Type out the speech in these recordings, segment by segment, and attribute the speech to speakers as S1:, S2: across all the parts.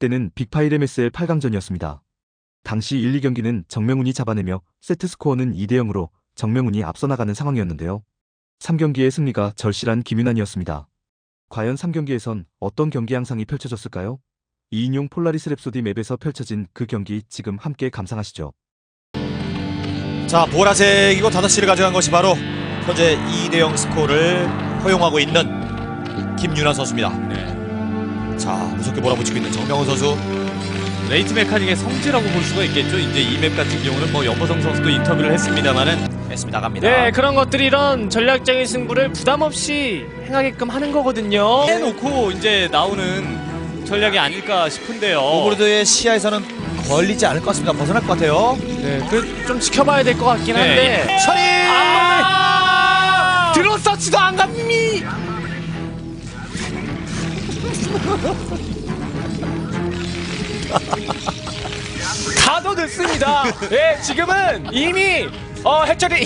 S1: 때는 빅5 MSL 8강전이었습니다. 당시 1, 2경기는 정명훈이 잡아내며 세트스코어는 2대 0으로 정명훈이 앞서 나가는 상황이었는데요. 3경기의 승리가 절실한 김윤환이었습니다. 과연 3경기에선 어떤 경기 양상이 펼쳐졌을까요? 2인용 폴라리스 랩소디 맵에서 펼쳐진 그 경기 지금 함께 감상하시죠.
S2: 자, 보라색이고 5시를 가져간 것이 바로 현재 2대 0 스코어를 허용하고 있는 김윤환 선수입니다.
S3: 네.
S2: 자, 무섭게 몰아붙이고 있는 정명훈 선수.
S3: 레이트 메카닉의 성지라고 볼 수가 있겠죠. 이제 이 맵 같은 경우는 뭐 연보성 선수도 인터뷰를 했습니다만은
S2: S 나갑니다.
S4: 네, 그런 것들이 이런 전략적인 승부를 부담 없이 행하게끔 하는 거거든요.
S3: 해놓고 이제 나오는 전략이 아닐까 싶은데요.
S2: 오버로드의 시야에서는 걸리지 않을 것 같습니다. 벗어날 것 같아요.
S4: 네, 그 좀 지켜봐야 될 것 같긴 한데.
S3: 네.
S2: 처리!
S4: 들어서지도 안 갑니. 가도 됐습니다. 예, 지금은 이미 해철이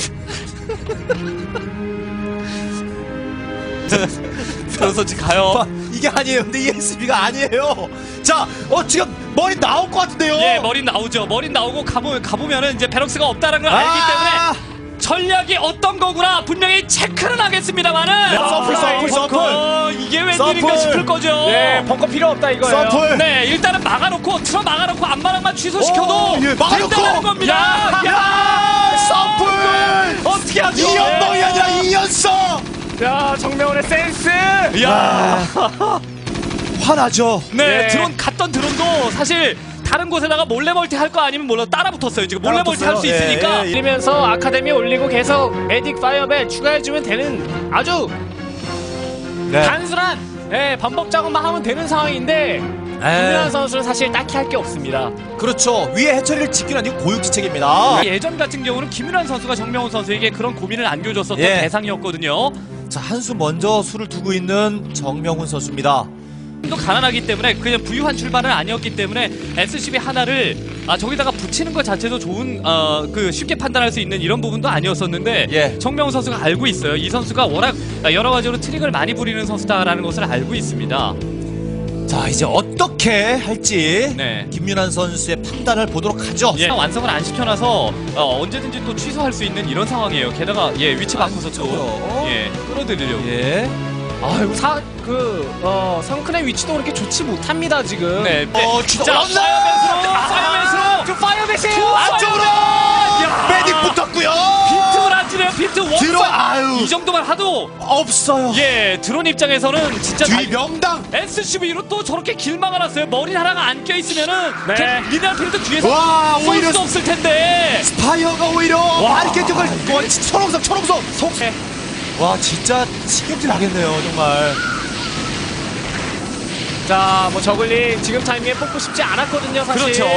S3: 들어서지 가요.
S2: 이게 아니에요. 근데 ESB가 아니에요. 자, 지금 머리 나올 것 같은데요.
S3: 예, 머리 나오죠. 머리 나오고 가보면은 이제 베럭스가 없다는 걸 알기 때문에 전략이 어떤 거구나 분명히 체크는 하겠습니다만은
S2: 서플.
S3: 이게 웬일인가 싶을 거죠.
S4: 네, 벙커 필요 없다 이거예요.
S2: 서플.
S3: 네, 일단은 막아놓고 틀어 막아놓고 앞마당만 취소시켜도
S2: 예, 막아놓고.
S3: 된다는 겁니다.
S2: 서플!
S3: 어떻게 하죠?
S2: 이연봉이 아니라 이연성!
S4: 야, 정명훈의 센스.
S3: 야,
S2: 화나죠.
S3: 네,
S4: 네.
S3: 드론 갔던 드론도 사실 다른 곳에다가 몰래 멀티 할 거 아니면 몰라 따라 붙었어요. 지금 몰래 멀티 할 수
S2: 따라 붙었어요.
S3: 있으니까.
S2: 예, 예.
S4: 이러면서 아카데미 올리고 계속 메딕 파이어벨 추가해주면 되는 아주
S2: 네.
S4: 단순한 반복 작업만 하면 되는 상황인데 김윤환 선수는 사실 딱히 할 게 없습니다.
S2: 그렇죠. 위에 해처리를 지키는 아니고 고육지책입니다.
S3: 예전 같은 경우는 김윤환 선수가 정명훈 선수에게 그런 고민을 안겨줬었던
S2: 예.
S3: 대상이었거든요.
S2: 자, 한 수 먼저 수를 두고 있는 정명훈 선수입니다.
S3: 또 가난하기 때문에 그냥 부유한 출발은 아니었기 때문에 SCB 하나를 저기다가 붙이는 것 자체도 좋은 그 쉽게 판단할 수 있는 이런 부분도 아니었었는데
S2: 예.
S3: 정명훈 선수가 알고 있어요. 이 선수가 워낙 여러 가지로 트릭을 많이 부리는 선수다라는 것을 알고 있습니다.
S2: 자, 이제 어떻게 할지
S3: 네.
S2: 김윤환 선수의 판단을 보도록 하죠.
S3: 예, 완성을 안 시켜놔서 언제든지 또 취소할 수 있는 이런 상황이에요. 게다가 위치 바꿔서 또
S2: 그렇죠.
S3: 끌어들이려고.
S2: 예.
S4: 아이고 성큰의 위치도 그렇게 좋지 못합니다 지금.
S3: 네,
S2: 진짜
S3: 파이어맨스로
S4: 파이어벳이에요.
S2: 안쪽으로
S3: 야.
S2: 매딕 붙었고요.
S3: 빈틈을 안 주네요. 빈틈
S2: 들어,
S3: 원사
S2: 아유.
S3: 이 정도만 하도
S2: 없어요.
S3: 드론 입장에서는 진짜
S2: 뒤 명당.
S3: SCV로 또 저렇게 길 막아놨어요. 머리 하나가 안 껴있으면은
S4: 네.
S3: 미네랄 필드 뒤에서
S2: 와,
S3: 쏠
S2: 오히려
S3: 수 없을 텐데.
S2: 스파이어가 오히려 마르케팅을 초롱성.
S3: 네.
S2: 와, 진짜 신경질 나겠네요, 정말.
S4: 자, 뭐 저글링 지금 타이밍에 뽑고 싶지 않았거든요 사실.
S3: 그렇죠.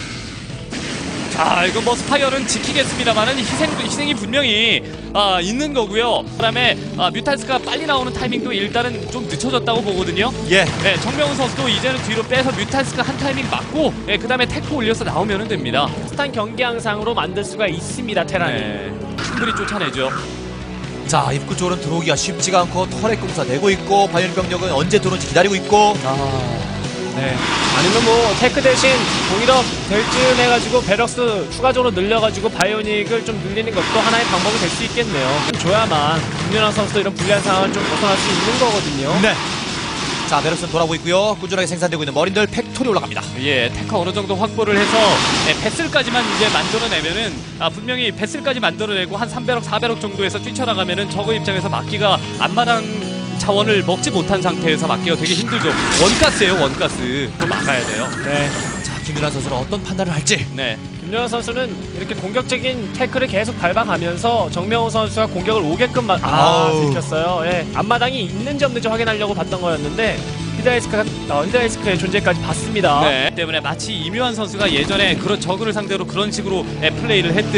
S3: 자, 이거 뭐 스파이어는 지키겠습니다만은 희생이 분명히 있는 거고요. 그다음에 뮤탈스가 빨리 나오는 타이밍도 일단은 좀 늦춰졌다고 보거든요.
S2: 예.
S3: 네, 정명훈 선수도 이제는 뒤로 빼서 뮤탈스가 한 타이밍 맞고, 그다음에 테크 올려서 나오면 됩니다.
S4: 비슷한 경기 양상으로 만들 수가 있습니다 테란이.
S3: 네, 충분히 쫓아내죠.
S2: 자, 입구 쪽으로는 들어오기가 쉽지가 않고 터렛 공사 내고 있고 바이오닉 병력은 언제 들어올지 기다리고 있고.
S4: 네. 아니면 뭐 테크 대신 공일업 될 쯤 해가지고 베럭스 추가적으로 늘려가지고 바이오닉을 좀 늘리는 것도 하나의 방법이 될 수 있겠네요. 줘야만 김윤환 선수도 이런 불리한 상황을 좀 벗어날 수 있는 거거든요.
S2: 네. 자, 베럭스는 돌아오고 있고요. 꾸준하게 생산되고 있는 머린들 팩토리 올라갑니다.
S3: 예, 테크 어느 정도 확보를 해서 배슬까지만 이제 만들어내면은 분명히 배슬까지 만들어내고 한 300억, 400억 정도에서 뛰쳐나가면은 저거 입장에서 막기가 앞마당 자원을 먹지 못한 상태에서 막기가 되게 힘들죠. 원가스예요, 원가스. 또 막아야 돼요.
S4: 네.
S2: 자, 김윤환 선수는 어떤 판단을 할지.
S3: 네.
S4: 김윤환 선수는 이렇게 공격적인 태클을 계속 밟아가면서 정명훈 선수가 공격을 오게끔
S2: 아우.
S4: 들켰어요. 예. 앞마당이 있는지 없는지 확인하려고 봤던 거였는데 히드라이스크의 존재까지 봤습니다.
S3: 네. 때문에 마치 이묘한 선수가 예전에 그런 저그를 상대로 그런 식으로 플레이를 했듯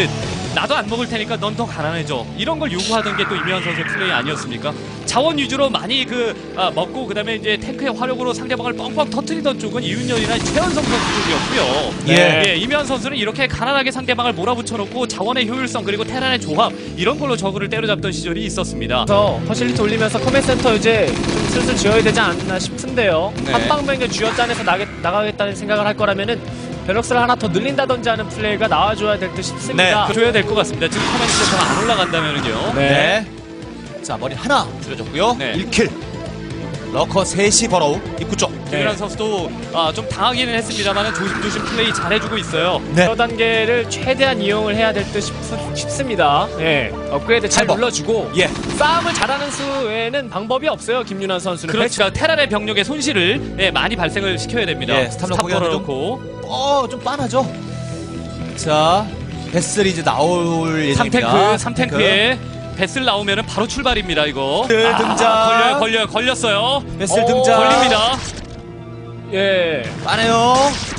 S3: 나도 안 먹을 테니까 넌 더 가난해져. 이런 걸 요구하던 게 또 이명환 선수의 플레이 아니었습니까? 자원 위주로 많이 먹고 그다음에 이제 탱크의 화력으로 상대방을 뻥뻥 터뜨리던 쪽은 이윤열이나 최현성 선수 쪽이었고요.
S2: 예.
S3: 이명환 선수는 이렇게 가난하게 상대방을 몰아붙여놓고 자원의 효율성 그리고 테란의 조합 이런 걸로 저그를 때려잡던 시절이 있었습니다.
S4: 그래서 퍼실리티 올리면서 커맨 센터 이제 좀 슬슬 지어야 되지 않나 싶은데요.
S3: 네.
S4: 한방병력 쥐어짜내서 나가겠다는 생각을 할 거라면은 베럭스를 하나 더 늘린다든지 하는 플레이가 나와줘야 될 듯 싶습니다.
S2: 네.
S3: 줘야 될 것 같습니다. 지금 커맨드 센터가 안 올라간다면은요.
S2: 네. 자, 머리 하나 줄여줬고요.
S3: 네.
S2: 1킬. 러커 셋이 버러우 입구 쪽.
S3: 김윤환 선수도 좀 당하기는 했습니다만 조심조심 플레이 잘해주고 있어요.
S2: 네.
S4: 저 단계를 최대한 이용을 해야 될 듯 싶습니다. 예. 업그레이드 잘
S2: 찰버.
S4: 눌러주고
S2: 예.
S4: 싸움을 잘하는 수에는 방법이 없어요. 김윤환 선수는.
S3: 그렇죠. 테란의 병력의 손실을 많이 발생을 시켜야 됩니다.
S2: 예, 스탑 넣고
S3: 넣고
S2: 좀 빤하죠. 자, 베슬이 이제 나올 예정입니다.
S3: 3탱크에 베슬 나오면은 바로 출발입니다. 이거.
S2: 베슬 등장.
S3: 걸렸어요.
S2: 베슬 등장.
S3: 걸립니다.
S4: 예.
S2: 빠네요.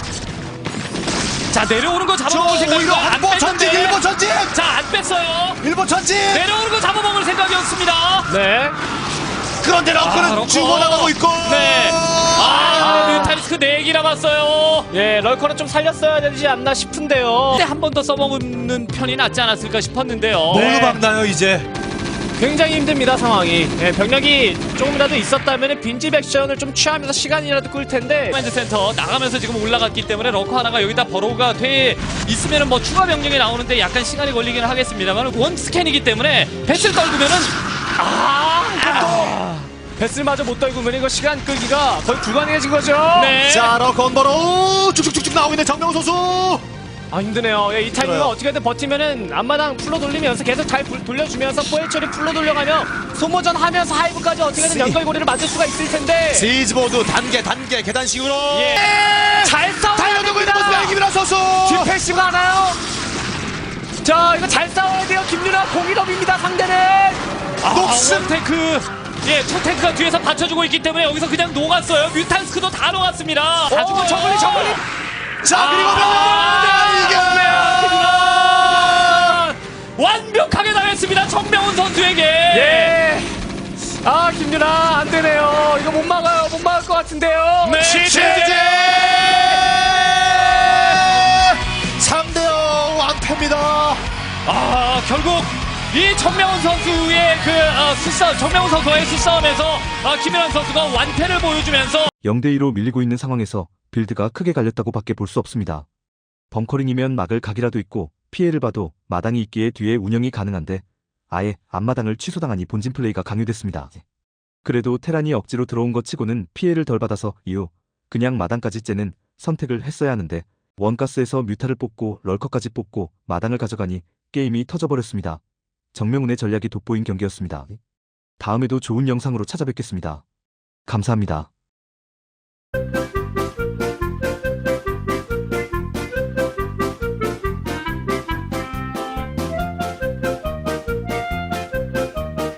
S3: 자, 내려오는 거
S2: 저
S3: 잡아먹을
S2: 오히려
S3: 생각이고 안
S2: 한보 전진,
S3: 뺐는데.
S2: 일보 전진.
S3: 자, 안 뺐어요.
S2: 일보 전진.
S3: 내려오는 거 잡아먹을 생각이었습니다.
S4: 네.
S2: 그런데 러커는
S3: 러커.
S2: 죽어나가고 있고.
S3: 네. 뮤탈리스크 4개 남았어요.
S4: 예, 럴커는 좀 살렸어야 되지 않나 싶은데요.
S3: 그때 한 번 더 써먹는 편이 낫지 않았을까 싶었는데요.
S2: 너무 막나요 이제.
S4: 굉장히 힘듭니다, 상황이. 예, 병력이 조금이라도 있었다면 빈집 액션을 좀 취하면서 시간이라도 끌 텐데.
S3: 커맨드 센터 나가면서 지금 올라갔기 때문에 러커 하나가 여기다 버로우가 돼 있으면은 뭐 추가 병력이 나오는데 약간 시간이 걸리긴 하겠습니다만 원 스캔이기 때문에 배슬 떨구면은
S4: 베슬마저 못 떨구면 이거 시간 끌기가 거의 불가능해진 거죠.
S3: 네.
S2: 자, 러커 버러우 쭉쭉쭉쭉 나오고 있는 정명훈 선수.
S4: 아, 힘드네요. 예, 이 타이밍을
S2: 힘들어요.
S4: 어떻게든 버티면은 앞마당 풀로 돌리면서 계속 잘 돌려주면서 포에처리 풀로 돌려가면 소모전 하면서 하이브까지 어떻게든 연결고리를 만들 수가 있을 텐데.
S2: 시즈보드 단계 계단식으로.
S3: 예.
S4: 잘
S2: 달려들고 있는
S4: 싸워야
S2: 모습의 김윤환 선수.
S4: 디펜시브가 하나요? 자, 이거 잘 싸워야 돼요. 김윤아 공일업입니다. 상대는.
S2: 녹슨.
S3: 탱크. 예, 첫 탱크가 뒤에서 받쳐주고 있기 때문에 여기서 그냥 녹았어요. 뮤탄스크도 다 녹았습니다. 다 죽고
S4: 저글리.
S2: 자, 그리고 이게
S3: 완벽하게 당했습니다. 정명훈 선수에게.
S4: 예. 아, 김윤아 안 되네요. 이거 못 막아요. 못 막을 것 같은데요.
S3: 네,
S2: 취재 3대0 완패입니다.
S3: 결국 이 정명훈 선수의 정명훈 선수와의 수싸움에서 김윤환 선수가 완패를 보여주면서
S1: 0대2로 밀리고 있는 상황에서 빌드가 크게 갈렸다고 밖에 볼 수 없습니다. 벙커링이면 막을 각이라도 있고 피해를 봐도 마당이 있기에 뒤에 운영이 가능한데 아예 앞마당을 취소당하니 본진 플레이가 강요됐습니다. 그래도 테란이 억지로 들어온 것 치고는 피해를 덜 받아서 이후 그냥 마당까지 째는 선택을 했어야 하는데 원가스에서 뮤타를 뽑고 럴커까지 뽑고 마당을 가져가니 게임이 터져버렸습니다. 정명훈의 전략이 돋보인 경기였습니다. 다음에도 좋은 영상으로 찾아뵙겠습니다. 감사합니다.